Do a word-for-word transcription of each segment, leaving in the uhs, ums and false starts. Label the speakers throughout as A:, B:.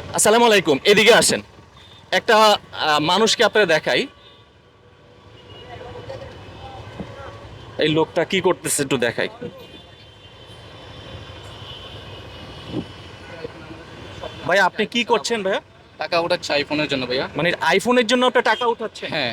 A: আসসালামু আলাইকুম, এদিকে আসেন। একটা আহ, মানুষকে আপনারা দেখাই। এই লোকটা কি করতেছে একটু দেখাই। ভাই আপনি কি করছেন ভাইয়া?
B: টাকা ওঠাচ্ছে আইফোনের জন্য ভাইয়া।
A: মানে আইফোনের জন্য আপনি টাকা উঠাচ্ছেন?
B: হ্যাঁ।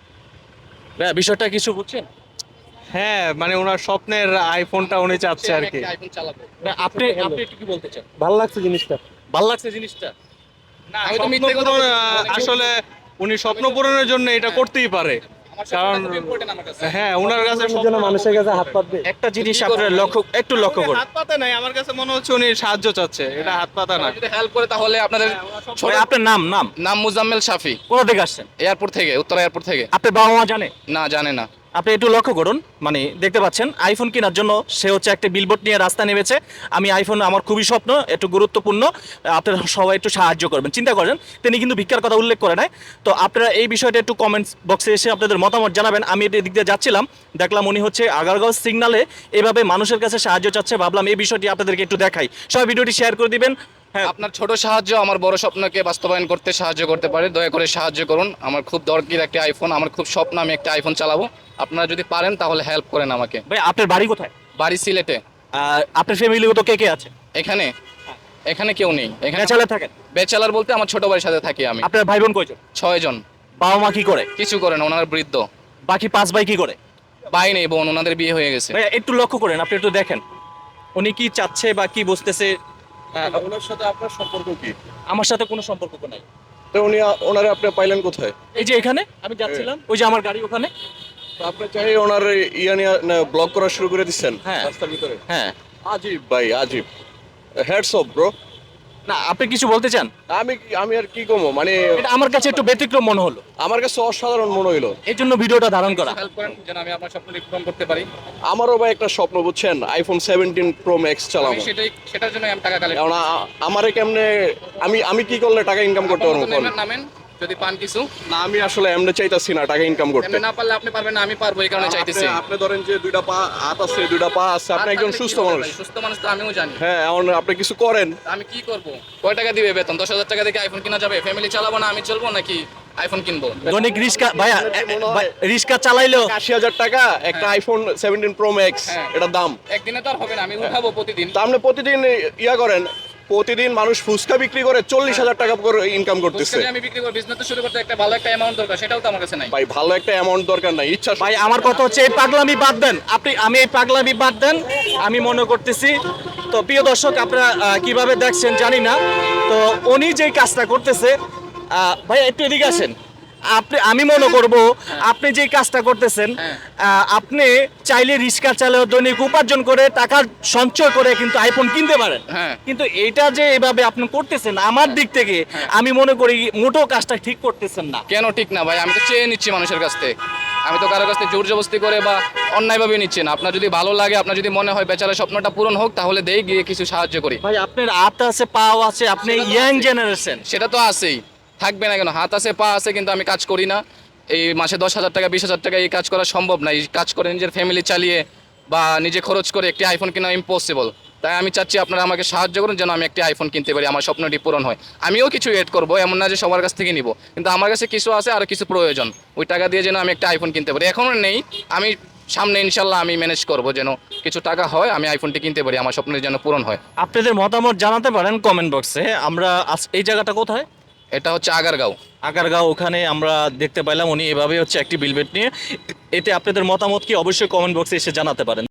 A: ভাইয়া বিষয়টা কিছু বুঝছেন?
C: হ্যাঁ, মানে ওনার স্বপ্নের আইফোনটা উনি চাচ্ছে আর
B: আমি
C: কি।
B: একটা আইফোন চালাবো।
A: ভাইয়া, আপনি আপনি একটু কি বলতে চান?
C: ভালো লাগছে জিনিসটা।
A: ভাল লাগছে জিনিসটা?
C: না,
B: আমি তো
C: স্বপ্ন
B: মিথ্যে কথা
C: পূরণ,
B: বলছি না,
C: আহ,
B: অনেকে-
C: আসলে উনি স্বপ্ন পূরণের জন্য এটা করতেই পারে।
B: আমার
C: কারণ
B: কারণ খুব ইম্পর্টেন্ট আমার কাছে।
C: হ্যাঁ, ওনার কাছে
D: জন্য
C: স্বপ্ন
D: মানুষের কাছে হাত পাতবে।
A: একটা জিনিস
B: কি করবো
A: আপনারা
B: ভাই?
A: লক্ষ্য একটু লক্ষ্য
C: উনি
A: করুন।
C: হাত পাতে নাই, আমার কাছে মনে হচ্ছে উনি সাহায্য চাচ্ছে। এটা হাত পাতা না।
B: সবাই যদি হেল্প করে তাহলে আপনাদের ছোট
A: ভাই, আপনার নাম নাম
B: নাম মুজাম্মেল শাফি,
A: কোথা থেকে আসছেন?
B: এয়ারপোর্ট থেকে, উত্তরা এয়ারপোর্ট থেকে।
A: আপনার বাবা মা জানে?
B: না, জানে না।
A: আপনি একটু লক্ষ্য করুন, মানে দেখতে পাচ্ছেন আইফোন কেনার জন্য সে হচ্ছে একটা বিলবোর্ড নিয়ে রাস্তা নেমেছে। আমি আইফোন আমার খুবই স্বপ্ন, একটু গুরুত্বপূর্ণ, আপনারা সবাই একটু সাহায্য করবেন। চিন্তা করেন তিনি কিন্তু ভিক্ষার কথা উল্লেখ করে নাই। তো আপনারা এই বিষয়টা একটু কমেন্টস বক্সে এসে আপনাদের মতামত জানাবেন। আমি এদিক দিয়ে যাচ্ছিলাম, দেখলাম উনি হচ্ছে আগারগাঁও সিগনালে এভাবে মানুষের কাছে সাহায্য চাচ্ছে, ভাবলাম এই বিষয়টি আপনাদেরকে একটু দেখাই। সবাই ভিডিওটি শেয়ার করে দিবেন। হ্যাঁ,
B: আপনার ছোট সাহায্য আমার বড় স্বপ্নকে বাস্তবায়ন করতে সাহায্য করতে পারে। দয়া করে সাহায্য করুন। আমার খুব দরকার একটা আইফোন, আমার খুব স্বপ্ন আমি একটা আইফোন চালাবো। আপনারা যদি পারেন তাহলে হেল্প করেন আমাকে।
A: ভাই আপনার বাড়ি কোথায়?
B: বাড়ি সিলেটে।
A: আহ, আপনার ফ্যামিলিগত কে কে আছে?
B: এখানে এখানে কেউ নেই। এখানে
A: চালে থাকেন?
B: বেচালার বলতে আমার ছোট ভাইয়ের সাথে থাকি আমি।
A: আপনার ভাই বোন কয়জন?
B: ছয় জন।
A: বাবা মা কি করে?
B: কিছু করে না, ওনার বৃদ্ধ।
A: বাকি পাঁচ ভাই কি করে?
B: ভাই নেই, বোন, ওনাদের বিয়ে হয়ে গেছে।
A: ভাই একটু লক্ষ্য করেন, আপনি একটু দেখেন উনি কি চাচ্ছে বা কি বুঝতেছে। আহ,
D: ওনার সাথে আপনার সম্পর্ক কি?
A: আমার সাথে কোনো সম্পর্ক নাই।
D: তো উনি ওনারে আপনি পাইলেন কোথায়?
A: এই যে এখানে আমি যাচ্ছিলাম, ওই যে আমার গাড়ি ওখানে।
D: তো আপনি চাই ওনার ইয়া নিয়ে ব্লগ করা শুরু করে দিচ্ছেন
A: হ্যাঁ।
D: রাস্তার ভিতরে?
A: হ্যাঁ,
D: আজীব ভাই, আজীব। Heads off bro.
A: না আপনি কিছু বলতে চান?
D: আমি কি- আমি আর কি কমো, মানে
A: এটা আমার কাছে একটু ব্যতিক্রম মনে হলো,
D: আমার কাছে অসাধারণ মনে হইলো।
A: এই জন্য ভিডিওটা ধারণ করা।
B: হেল্প করেন যেন আমি আপনার স্বপ্ন পূরণ করতে পারি।
D: আমারও ভাই একটা স্বপ্ন, বুঝছেন, আইফোন সেভেন্টিন প্রো ম্যাক্স
B: আমি
D: চালাবো।
B: সেটাই সেটার জন্য আমি টাকা কালেক্ট
D: কারণ আ- আমারে কেমনে, আমি আমি কি করলে টাকা ইনকাম করতে পারবো কোন?
B: নামেন নামেন যদি পান কিছু।
D: না, আমি আসলে এমনি চাইতাছি না টাকা ইনকাম করতে।
B: এমনি না পারলে আপনি পারবেন না, আমি পারবো, এই কারণে চাইতেছি।
D: আপনি- আপনি ধরেন যে দুইটা পা হাত আছে, দুইটা পা আছে, আপনি একজন সুস্থ মানুষ।
B: সুস্থ মানুষ তো আমিও জানি।
D: হ্যাঁ, এখন আপনি কিছু করেন।
B: আমি কি করব? কয় টাকা দিবে বেতন? দশ হাজার টাকা দিয়ে আইফোন কিনা যাবে? ফ্যামিলি চালাবো না আমি চলবো নাকি আইফোন কিনবো?
A: দৈনিক রিক্সা ভাইয়া, রিক্সা চালাইলেও
D: আশি হাজার টাকা একটা আইফোন সেভেন্টিন প্রো ম্যাক্স,
B: হ্যাঁ।
D: এটার দাম।
B: একদিনে তো আর হবে না, আমি উঠাবো প্রতিদিন।
D: তা আপনি প্রতিদিন ইয়া করেন, প্রতিদিন মানুষ ফুচকা বিক্রি করে চল্লিশ হাজার টাকা করে ইনকাম করতেছে।
B: ফুচকা দিয়ে আমি বিক্রি করব, বিজনেস তো শুরু করতে একটা ভালো একটা অ্যামাউন্ট দরকার, সেটাও তো আমার কাছে নাই।
D: ভাই ভালো একটা অ্যামাউন্ট দরকার নাই, ইচ্ছা
A: ভাই আমার কথা হচ্ছে এই পাগলামি বাদ দেন আপনি, আমি এই পাগলামি বাদ দেন আমি মনে করতেছি। তো প্রিয় দর্শক, আপনারা আহ, কিভাবে দেখছেন জানি না। তো উনি যেই কাজটা করতেছে, আহ, ভাই একটু এদিকে আসেন। আপনি, আমি মনে করব আপনি যে কাজটা করতেছেন, আহ, আপনি চাইলে রিক্সা চালেও দৈনিক উপার্জন করে টাকা সঞ্চয় করে কিন্তু আইফোন কিনতে পারেন।
B: হ্যাঁ।
A: কিন্তু এটা যে এভাবে আপনি করতেছেন, আমার দিক থেকে আমি মনে করি মোটো কাজটা ঠিক করতেছেন না।
B: কেন ঠিক না ভাই? আমি তো চেয়ে নিচ্ছি মানুষের কাছ থেকে, আমি তো কারো কাছ থেকে জোর জবরদস্তি করে বা অন্যায়ভাবে নিচ্ছি না। আপনার যদি ভালো লাগে, আপনার যদি মনে হয় বেচারার স্বপ্নটা পূরণ হোক, তাহলে দেই, গিয়ে কিছু সাহায্য করি।
A: ভাই আপনার হাত আছে, পাও আছে, আপনি ইয়াং জেনারেশন।
B: সেটা তো আছেই, থাকবে না কেন? হাত আছে, পা আছে, কিন্তু আমি কাজ করি না। এই মাসে দশ হাজার টাকা, বিশ হাজার টাকা এই কাজ করা সম্ভব না। এই কাজ করে নিজের ফ্যামিলি চালিয়ে বা নিজে খরচ করে একটি আইফোন কেনা ইম্পসিবল। তাই আমি চাচ্ছি আপনারা আমাকে সাহায্য করুন যেন আমি একটি আইফোন কিনতে পারি, আমার স্বপ্নটি পূরণ হয়। আমিও কিছু এড করবো, এমন না যে সবার কাছ থেকে নিব, কিন্তু আমার কাছে কিছু আছে আর কিছু প্রয়োজন। ওই টাকা দিয়ে যেন আমি একটা আইফোন কিনতে পারি। এখনও নেই, আমি সামনে ইনশাল্লাহ আমি ম্যানেজ করবো যেন কিছু টাকা হয়, আমি আইফোনটি কিনতে পারি, আমার স্বপ্নের যেন পূরণ হয়।
A: আপনাদের মতামত জানাতে পারেন কমেন্ট বক্সে। আমরা আজ- এই জায়গাটা কোথায়?
B: এটা হচ্ছে আগারগাঁও।
A: আগারগাঁও, ওখানে আমরা দেখতে পাইলাম উনি এভাবে হচ্ছে একটি বিলবোর্ড নিয়ে। এতে আপনাদের মতামত কি অবশ্যই কমেন্ট বক্সে এসে জানাতে পারেন।